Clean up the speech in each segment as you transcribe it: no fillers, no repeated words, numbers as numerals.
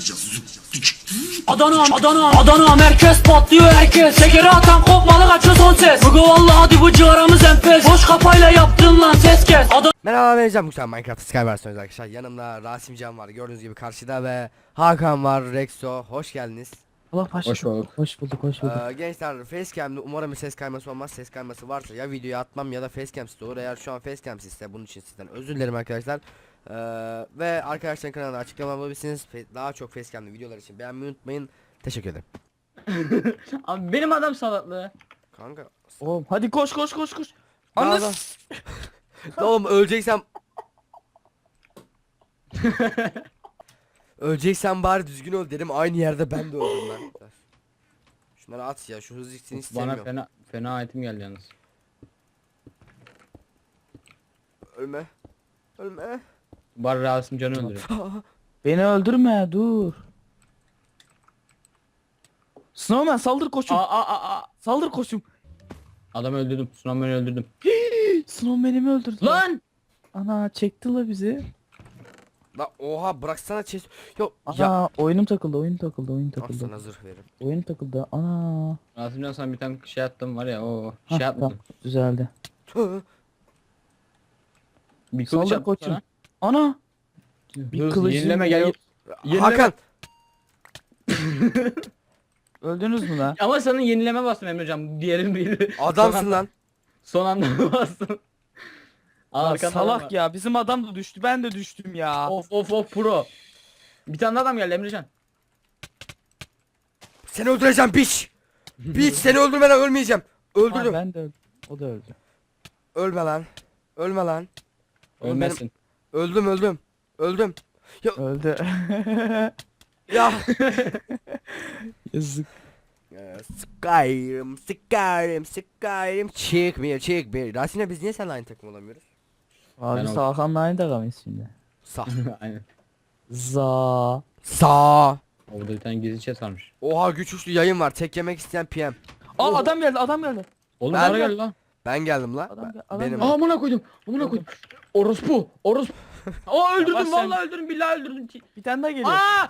Adana merkez patlıyor herkes. Şekeri atan kopmalı kaçıyor son ses. Bugü vallahi hadi bu ciğaramız enfes. Boş kafayla yaptın lan ses kes. Merhaba, ben Can Muhtar, Minecraft Sky versiyonu arkadaşlar. Yanımda Rasim Can var, gördüğünüz gibi karşıda, ve Hakan var, Rexo. Hoş geldiniz. Allah paşa. Hoş bulduk. Hoş bulduk. Gençler, facecam'de umarım bir ses kayması olmaz. Ses kayması varsa ya videoyu atmam ya da facecam'siz olur. Eğer şu an facecam'sizse bunun için sizden özür dilerim arkadaşlar. Ve arkadaşların kanalına açıklama bulabilirsiniz. Daha çok facecam'li videolar için beğenmeyi unutmayın. Teşekkür ederim. Abi benim adam salaklığı. Kanka. Oğlum hadi koş. Anladın. Oğlum öleceksem. Öleceksen bari düzgün öl dedim, aynı yerde ben de öldüm lan. Şunları at ya, şu hız ikisini istemiyorum. Bana fena item geldi yalnız. Ölme. Ölme. Bari Rasim Can'ı öldürüyor. Beni öldürme dur. Snowman saldır koçum. Saldır koçum. Adamı öldürdüm. Snowman'ı öldürdüm. Snowman'i mi öldürdü? Lan! Ana çekti la bizi. La oha, bıraksana chest. Yok Ana ya. oyunum takıldı. Oyun Al takıldı. sana zırh veririm. Oyun takıldı. Ana. Rasim Can sana bir tane şey attım var ya, o Hah, şey atmadım. tamam, düzeldi. Bir kılıç Saldır attım koçum. sana. Ana. Bir kılıcım yenileme gel. yok. Yenileme. Hakan. Öldünüz mü lan? Ama sana yenileme bastım Emrecan. Diğerin biri. Adamsın lan. Son anda bastım. Lan Arkanda adam salak var. ya. Bizim adam da düştü. Ben de düştüm ya. Of pro. Bir tane adam geldi Emrecan. Seni öldüreceğim piç. Piç, seni öldürmeden ölmeyeceğim. Aa, Öldürdüm. ben de öldüm. O da öldü. Ölme lan. Ölme lan. Oğlum Ölmezsin. Öldüm. Öldü. Ya. Yazık. Skyrim. Çıkmıyor. Rasim'le biz niye seninle aynı takım olamıyoruz? Abi Ben Hakan'la aynı takamayız şimdi. Sağ. Aynen. Za. Sağ. Orada bir tane gizli chat varmış. Oha, güç uçlu yayın var. Tek yemek isteyen PM. Aa adam geldi. Oğlum Ben bana de- gel lan. Ben geldim la. Adam Benim. geldi. Amına koydum. Orospu. Aa öldürdüm, Bak sen- vallahi öldürdüm, billahi öldürdüm. Bir tane daha geliyor. Aa!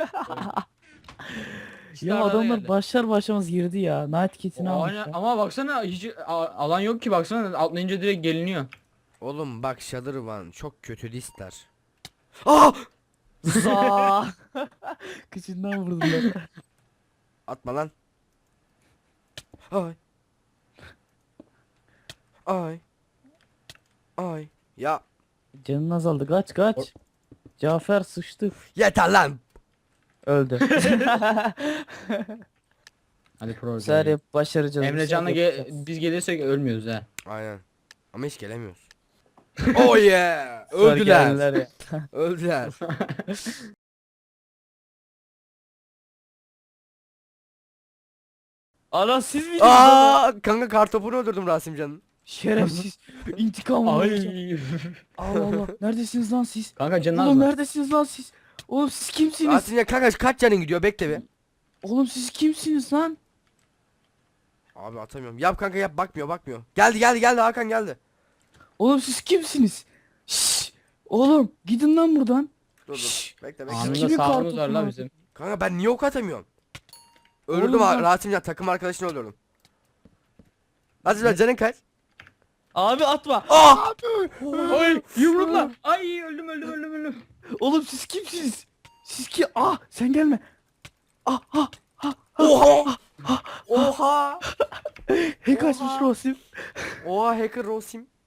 Ya adamlar başlar başlamaz girdi ya. Night kit'ini almışlar. Ama baksana hiç alan yok ki, baksana atlayınca direkt geliniyor. Oğlum bak, Shadowrun çok kötü listler. Aa! Za. Kıçından vurdular. Atma lan. Ay. Ay. Ay. Ya Canın azaldı. Kaç. Cafer sıçtı. yeter lan. Öldü. Hadi pro. Sadece başaracağız. Emrecan'la Yapacağız. biz gelirsek ölmüyoruz ha. Aynen. Ama hiç gelemiyoruz. Oh yeah. Sonra Öldüler. geldiler ya. Öldüler. Ana siz miydiniz? Aa, kanka kartopunu öldürdüm Rasimcan'ın. Şerefsiz. İntikam alacağım. Ay. Allah Allah. Neredesiniz lan siz? Kanka canın az Oğlum mı? neredesiniz lan siz? Oğlum siz kimsiniz? Rasimcan kanka kaç canın gidiyor, bekle bir. Oğlum siz kimsiniz lan? Abi atamıyorum. Yap kanka, yap, bakmıyor. Geldi Hakan geldi. Oğlum siz kimsiniz? Şşş. Oğlum gidin lan buradan. Dur. Şşş. Bekle. Anında kimin sağlığımız kartopunu var la aldın? bizim. Kanka ben niye ok atamıyorum? Öldürdüm Oğlum ben- Rasimcan, takım arkadaşını öldürdüm. Rasimcan canın kaç? Abi atma. Ah! Ay yumrukla. Ay öldüm. Oğlum siz kimsiniz? Siz ki sen gelme. Oha! Oha! Hack açmış Rosim. Oha, hacker Rosim.